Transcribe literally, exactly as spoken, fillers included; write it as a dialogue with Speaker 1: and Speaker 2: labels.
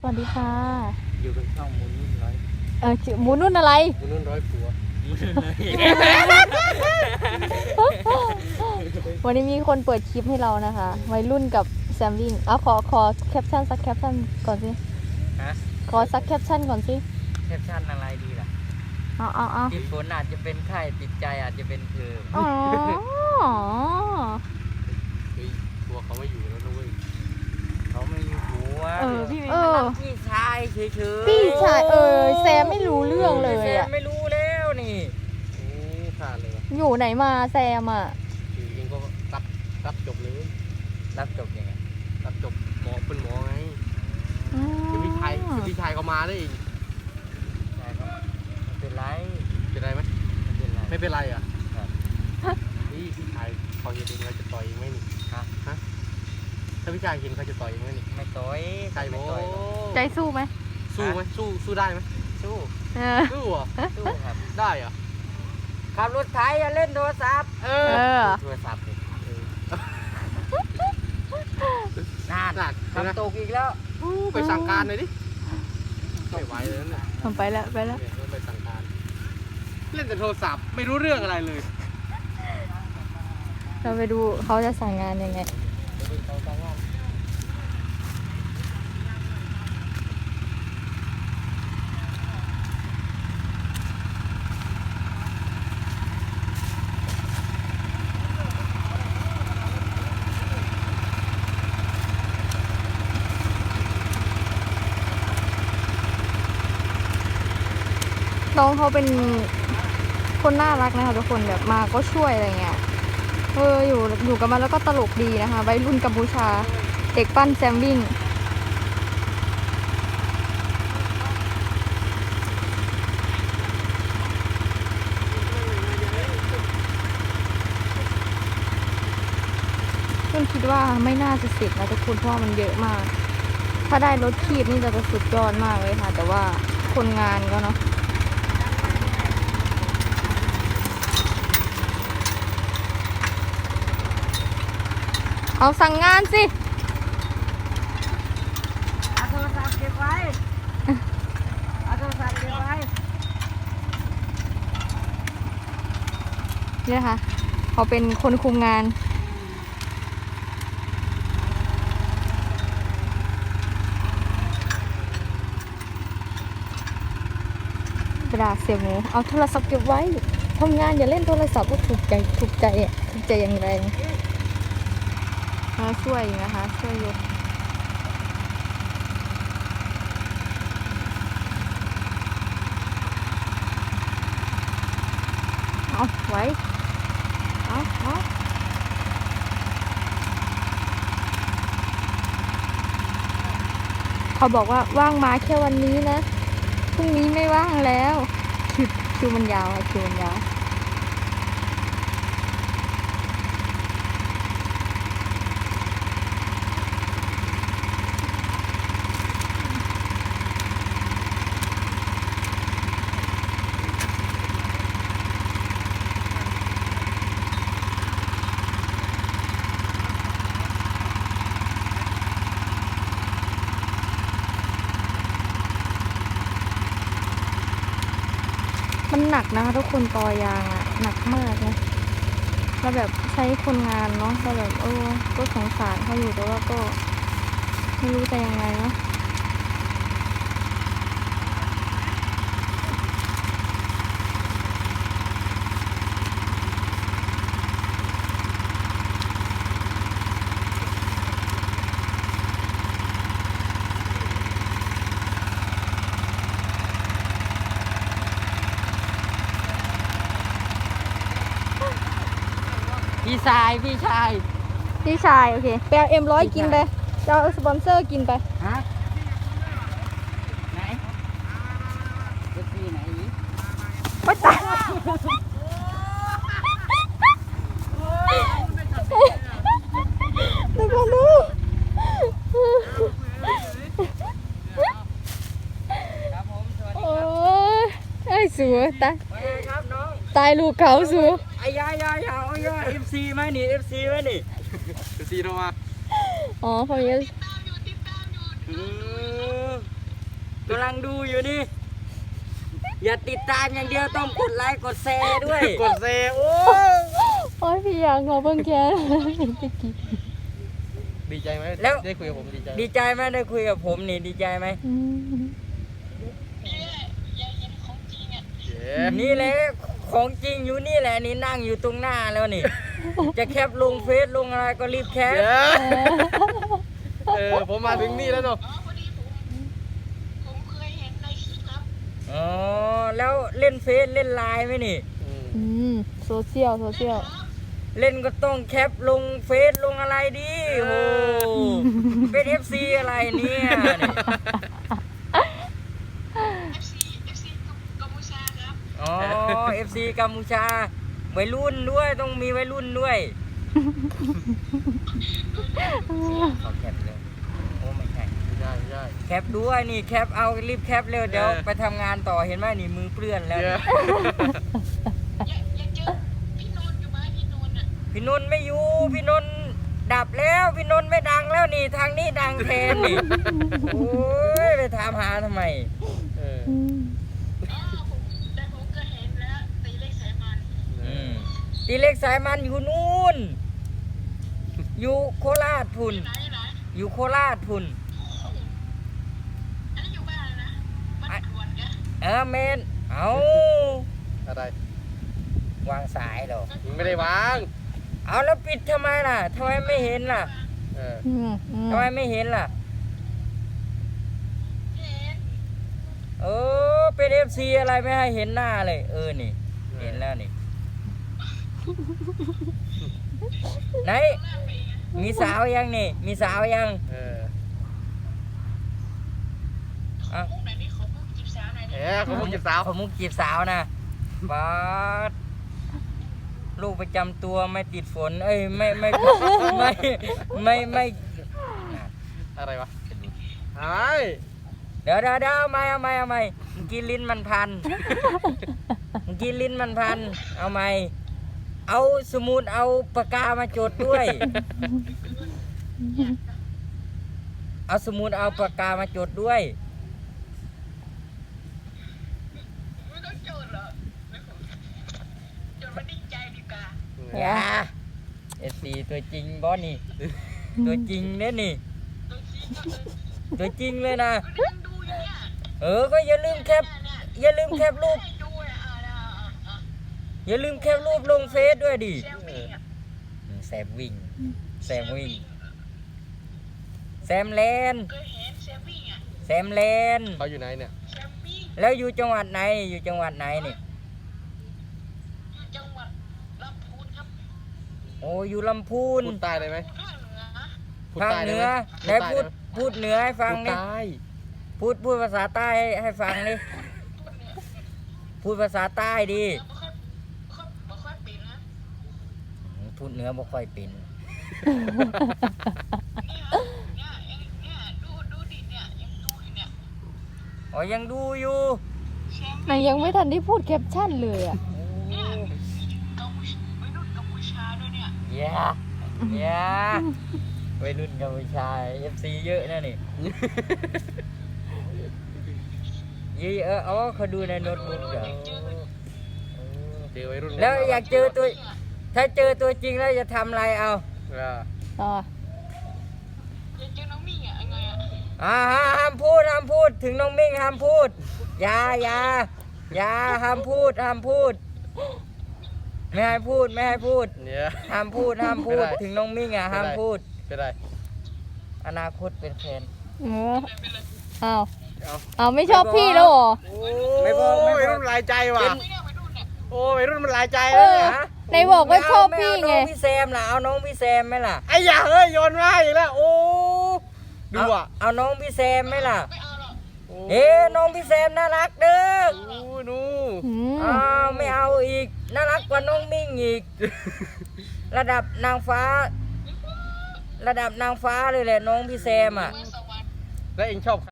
Speaker 1: สวัสดีค่ะ
Speaker 2: อยู่กับช่องมูนุ่นร้อย
Speaker 1: เออชื่อหมูนุ่นอะไร
Speaker 2: มูนุ่นร้อยผัว
Speaker 1: วันนี้มีคนเปิดคลิปให้เรานะคะวัยรุ่นกับแซมวิ่งเอาขอขอแคปชั่นสักแคปชั่นก่อนสิ
Speaker 2: ฮะ
Speaker 1: ขอสักแคปชั่นก่อนสิ
Speaker 2: แคปชั่นอะไรดีล่ะ
Speaker 1: เอาเอาเอา
Speaker 2: ติดฝนอาจจะเป็นไข้ติดใจอาจจะเป็นเธอ
Speaker 1: อ๋อ
Speaker 2: เฮ้ยผัวเขาไม่อยู่แล้วนะเว้ยเขาไม่มีผัว
Speaker 1: เออพี่เออ
Speaker 2: พี่ชายเฉยๆ
Speaker 1: พี่ชายเออแซมไม่รู้เรื่องเลยอ่ะ
Speaker 2: ไม่รู้แล้วนี่โอ้ขาดเลย
Speaker 1: อยู่ไหนมาแซมอ่ะ
Speaker 2: อยู่ยิงก็รับรับจบเลยรับจบยังไงรับจบหมอเป็นหมอไงคือพี่ชายคือพี่ชายเขามาได้เองใช่ครับไม่เป็นไรเป็นไรไหมไม่เป็นไรไม่เป็นไรอ่ะนี่พี่ชายเขาเห็นเองเราจะต่อยเองไหมนี่ฮะฮะถ้าพี่ชายเห็นเขาจะต่อยเองไหมนี่ไม่ต่อยใช่โว้
Speaker 1: ใจสู้ไหม
Speaker 2: สู้ไหมสู้สู้ได้ไหมสู้สู้อ่ะสู้ครับได้อ่ะขับรถไถอย่าเล่นโทรศัพท์เออโทรศัพท์น่าหนักทำตกอีกแล้วไปสั่งการเลยดิไม่ไหวเลยนะ
Speaker 1: ทำไปแล้วไปแล้ว
Speaker 2: ไปสั่งการเล่นแต่โทรศัพท์ไม่รู้เรื่องอะไรเลย
Speaker 1: เราไปดูเขาจะสั่งงานยังไงน้องเขาเป็นคนน่ารักนะคะทุกคนแบบมาก็ช่วยอะไรเงี้ยเอออยู่อยู่กับมันแล้วก็ตลกดีนะคะวัยรุ่นกัมพูชาเด็กปั้นแซมวิ่งคุณคิดว่าไม่น่าจะเสร็จนะทุกคนเพราะมันเยอะมากถ้าได้รถคีบนี่จะสุดยอดมากเลยค่ะแต่ว่าคนงานก็เนาะเอาสั่งงานสิ
Speaker 2: เอาโทรศัพท์เก็บไว้เอาโทรศัพท์เก็บไว้
Speaker 1: นี่นะคะเขาเป็นคนคุมงานกระดาษเสียหมูเอาโทรศัพท์เก็บไว้ทำงานอย่าเล่นโทรศัพท์ก็ถูกใจถูกใจอ่ะถูกใจอย่างแรงมาช่วยนะคะช่วยยกเอาไว้เอาเอาเขาบอกว่าว่างมาแค่วันนี้นะพรุ่งนี้ไม่ว่างแล้วคิวคิวมันยาวค่ะคิวมันยาวมันหนักนะคะทุกคนตอยางอ่ะหนักมากนะแล้วแบบใช้คนงานเนาะก็แบบเออก็สงสารเขาอยู่แต่ว่าก็ไม่รู้จะยังไงเนาะ
Speaker 2: พี่ชายพี่ชาย
Speaker 1: พี่ชายโอเคไปเอาเอ็มร้อยกินไปจะเอาสปอนเซอร์กินไป
Speaker 2: ฮะไหนเอฟซีไหนอีก
Speaker 1: ไปตายดูกันดูโอ้ยไอ้สัวตายตายลูกเขาสัว
Speaker 2: ไอ้ยายายาไอ้ยาเอฟซีไหมนี่เอฟซีไหมนี่เอฟซีโทรมา
Speaker 1: อ๋อเขาเยอะ
Speaker 3: กำลังดูอยู่นี่ อย่าติดตามอย่างเดียวต้องกดไลค์กดแชร์ด้วย
Speaker 2: กดเซโอ้
Speaker 1: โอ้ยพี่อยากขอเบิ่งแกตะกี้
Speaker 2: ดีใจไหม
Speaker 3: แล้ว
Speaker 2: ได้คุยกับผมดีใจ
Speaker 3: ดีใจไหมได้คุยกับผมนี่ดีใจไหม
Speaker 1: อืม
Speaker 2: เย้
Speaker 3: นี่แหละของจริงอยู่นี่แหละนี่นั่งอยู่ตรงหน้าแล้วนี่ จะแคปลงเฟซลงอะไรก็รีบแคป
Speaker 2: เย้เออผมมาถึงนี่แล้วเนาะ
Speaker 3: อ๋อแล้วเล่นเฟซเล่นไลน์ไหมนี่
Speaker 2: อืม
Speaker 1: อืมโซเชียลโซเชียล
Speaker 3: เล่นก็ต้องแคปลงเฟซลงอะไรดิโอ้เป็น เอฟ ซี อะไรเนี่ยนี่อ๋อ เอฟ ซี กัมพูชาวัยรุ่นด้วยต้องมีวัยรุ่นด้วยขอแคปเลยโอ้ไม่ใช่
Speaker 2: ไม่ใช่ไม่ใช่
Speaker 3: แคปด้วยนี่แคปเอารีบแคปเร็วเดี๋ยว
Speaker 2: เออ
Speaker 3: ไปทำงานต่อเห็นไหมนี่มือเปื้อนแล้ว
Speaker 2: เย้
Speaker 3: พี่นนท์ไม่อยู่พี่นนท์ดับแล้วพี่นนท์ไม่ดังแล้วนี่ทางนี้ดังแทนนี่โอ้ยไปถามหาทำไม
Speaker 2: เออ
Speaker 1: อืม
Speaker 3: อืมตีเล็กสายมันอยู่นู่นอยู่โคราชพุ่นอยู่โคราชพุ่นเออเมนเอา
Speaker 2: อะไร
Speaker 3: วางสายเหรอ
Speaker 2: มึงไม่ได้วาง
Speaker 3: เอาแล้วปิดทำไมล่ะทำไมไม่เห็นล่ะ
Speaker 2: เออ
Speaker 1: อืมอืม
Speaker 3: ทำไมไม่เห็นล่ะเออเป็นเอฟซีอะไรไม่ให้เห็นหน้าเลยเออนี่เห็นแล้วนี่ไหนมีสาวยังนี่มีสาวยัง
Speaker 2: เออ
Speaker 3: อ่ะ
Speaker 2: เอ๊ะเขาพูดจีบสาว
Speaker 3: เขามุกจีบสาวนะบาดลูกประจำตัวไม่ติดฝน เอ้ยไม่ไม่ไม่ไม่ไม่
Speaker 2: อะไรวะอะไร
Speaker 3: เดี๋ยวเดี๋ยวเดี๋ยวเอาไม่เอาไม่เอาไม่เมื่อกี้ลิ้นมันพันเมื่อกี้ลิ้นมันพันเอาไม่เอาสมุดเอาปากกามาจดด้วย เอาสมุดเอาปากกามาจดด้วย อย่าเอฟซีตัวจริงบอสนี่ ตัวจริงเนี่ยนี่ ตัวจริงเลยนะ เออ ก็อย่าลืมแคป อย่าลืมแคปรูป อย่าลืมแคปรูปลงเฟซด้วยดิ
Speaker 2: เออ
Speaker 3: แซมวิ่ง แซมวิ่ง แซมแลนด์แซมแลนด์
Speaker 2: เขาอยู่ไหนเนี่ย
Speaker 3: แล้วอยู่จังหวัดไหน อยู่จังหวัดไหนนี่ โอ้อยู่ลำพูน
Speaker 2: พูดใต้ได้ไหมพูด
Speaker 3: ภาค
Speaker 2: ใต้
Speaker 3: เห
Speaker 2: ได้
Speaker 3: นื
Speaker 2: ไห
Speaker 3: อ
Speaker 2: ม
Speaker 3: ไหนพูดพูดเหนือให้ฟัง
Speaker 2: พูด
Speaker 3: ดิ
Speaker 2: ใต้
Speaker 3: พูดพูดภาษาใต้ให้ให้ฟังดิพูดภาษาใต้ดิพูดเหนือบ่ค่อยเป็นอ๋อยังดูอยู่
Speaker 1: นายยังไม่ทันได้พูดแคปชั่นเลยอ่ะ
Speaker 3: อย่าอย่าวัยรุ่นกัมพูชาเอฟซีเยอะนะนี่ยี่เอออ๋อเขาดูในโน้ตบุ๊กเหรอ
Speaker 2: เจอวัยรุ่น
Speaker 3: แล้วอยากเจอตัว ถ้าเจอตัวจริงแล้วจะทำอะไรเอา
Speaker 2: เออ
Speaker 1: ต่อ
Speaker 3: อ่าห้ามพูดห้ามพูดถึงน้องมิ่งห้ามพูดอย่าอย่าอย่าห้ามพูดห้ามพูด ไม่ให้พูดไม่ให้พูด
Speaker 2: เนี่ย
Speaker 3: ห้ามพูดห้ามพูด
Speaker 2: ไม่ได้
Speaker 3: ถึงน้องมิ่งอ่ะ
Speaker 2: ไม่ได้
Speaker 3: ห้ามพูด
Speaker 2: เป็นไร
Speaker 3: อนาคตเป็นแฟน
Speaker 1: เอออ้าว
Speaker 2: เอา
Speaker 1: อ้าวไม่ชอบพี่แล้วเหรอ
Speaker 3: ไม่บอกไม่บอก
Speaker 2: วัยรุ่นหลายใจว่ะ
Speaker 3: เป็น
Speaker 2: โอ้วัยรุ่นมันหลายใจ
Speaker 1: เอ
Speaker 2: แล้ว
Speaker 1: อ
Speaker 2: เนี่ย
Speaker 1: ไหนบอกว่าชอบ
Speaker 3: ไม่
Speaker 1: พี่
Speaker 3: เา
Speaker 1: ไง
Speaker 3: น้องพี่แซมล่ะเอาน้องพี่แซมไหมล่ะ
Speaker 2: ไอ้ยาเฮ้ยโยนมาอีกแล้วโอ้ดู
Speaker 3: เอา
Speaker 2: อ่ะ
Speaker 3: เอาน้องพี่แซมไหมล่ะ
Speaker 2: โอ้
Speaker 3: เอ๊ะน้องพี่แซมน่ารักเด้อ
Speaker 2: โอ้ดู
Speaker 1: อืม
Speaker 3: อ้าวไม่เอาอีกน่ารักกว่าน้องมิ่งอีก ระดับนางฟ้า ระดับนางฟ้าเลยแหละน้องพี่แซมอ่ะ
Speaker 2: แล้วเองชอบ